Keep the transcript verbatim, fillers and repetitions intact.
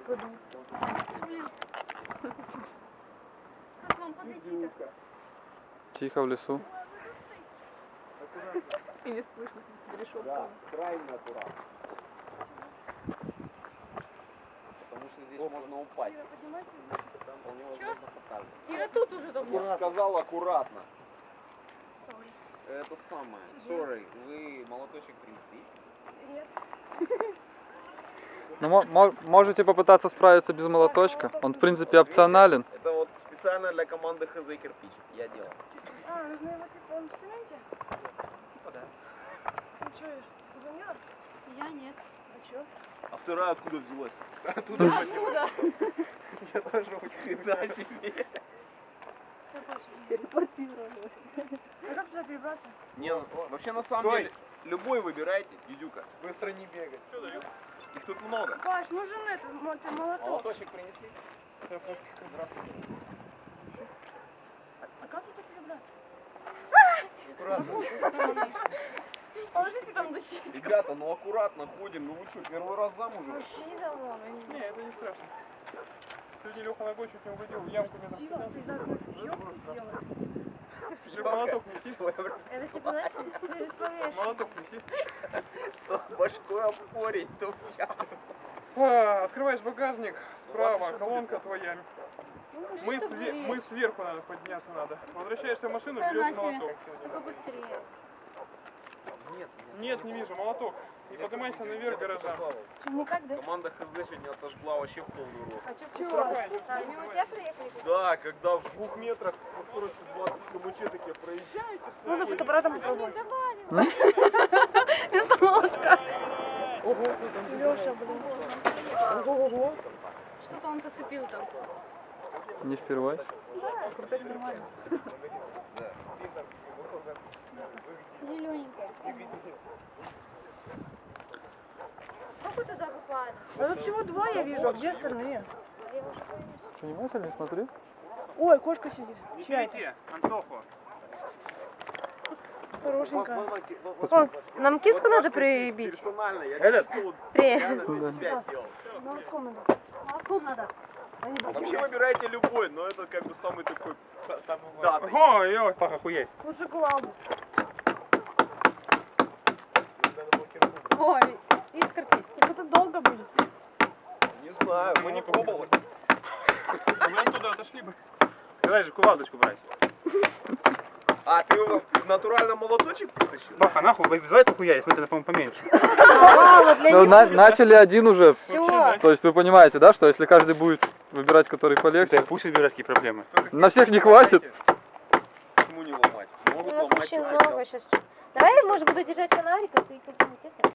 подуться. Блин. Как вам подойти-то? Тихо в лесу. И не слышно решетку. Да, крайне аккуратно. Потому что здесь можно упасть. Ира, поднимайся выше. Там вполне возможно показывать. Ира тут уже Я давно. же сказал аккуратно. Sorry. Это самое. Sorry, вы молоточек принесли? Нет. Ну, мо- мо- можете попытаться справиться без молоточка. Он, в принципе, опционален. Это вот специально для команды ХЗ кирпич. Я делал. А, нужно его типа он в цементе? Типа да. Ну что, Ир, ты замерз? Я нет. А что? А вторая откуда взялась? Оттуда. Откуда? Я тоже очень на себе. Телепортировалась. А как туда перебраться? Не, ну, вообще на самом Стой. деле, любой выбирайте, Дидюка. Быстро не бегать. Что дают? Их тут много. Паш, нужен этот мо- ты молоток. Молоточек принесли? Здравствуйте. А как туда перебраться? Аккуратно. Положите там дощечку. Ребята, ну аккуратно ходим. Ну вы что, первый раз замужем? Вообще не давно. Не, это не страшно. Сегодня Леха ногой чуть не угодил в ямку метров Дима, ты пятнадцать. так съемку сделал. Ты молоток неси. Это типа, знаешь, перед повешением. Молоток неси. То башкой об корень, то в яму. А, открываешь багажник, справа, Ладно, колонка твоя. Ну, Мы, что све- ты мы сверху надо подняться надо. Возвращаешься в машину, Да берешь на себе. молоток. Только быстрее. Нет, Нет, не вижу, молоток. И поднимайся наверх гаража. Никак, да? Команда ХЗ сегодня отожгла вообще в полный рот. А что, Чего? чего? Давай, А, мимо тебя приехали? Да, когда в двух метрах со скоростью двадцать км такие проезжаете. Можно фотоаппаратом попробовать. Давай. Вместо молотка. Ого, кто там Леша, блин. Ого-го-го. Что-то он зацепил там. Не впервой. Да, крутать нормально. Зелененькая. Как вы туда попали? А тут всего два я вижу, а где остальные? Что, внимательно смотри? Ой, кошка сидит. Чья это? Бегите, Антоху. Хорошенькая. О, нам киску надо прибить. Персонально, я Этот? чисто вот При. реально Да. пять делал. Молотком надо. Молотком надо. Вообще выбирайте любой, но это как бы самый такой датый. Ой, ой, пах, охуеть. Лучше кувалду. Ой, искорки. Так это долго будет. Не знаю, мы не пробовали. Мы оттуда отошли бы. Сказать же кувалдочку брать. А, ты его в натурально молоточек притащил? Баха, нахуй, давай похуярить, смотри, это, по-моему, поменьше. А, вот для Ну, них. на- начали один уже. Все. То есть вы понимаете, да, что если каждый будет выбирать, который полегче, Да пусть выбирать, какие проблемы. на всех не хватит. Почему не ломать? У Могут нас ломать. мужчин человека. много сейчас. Давай, может, буду держать фонарик, а ты как-нибудь это.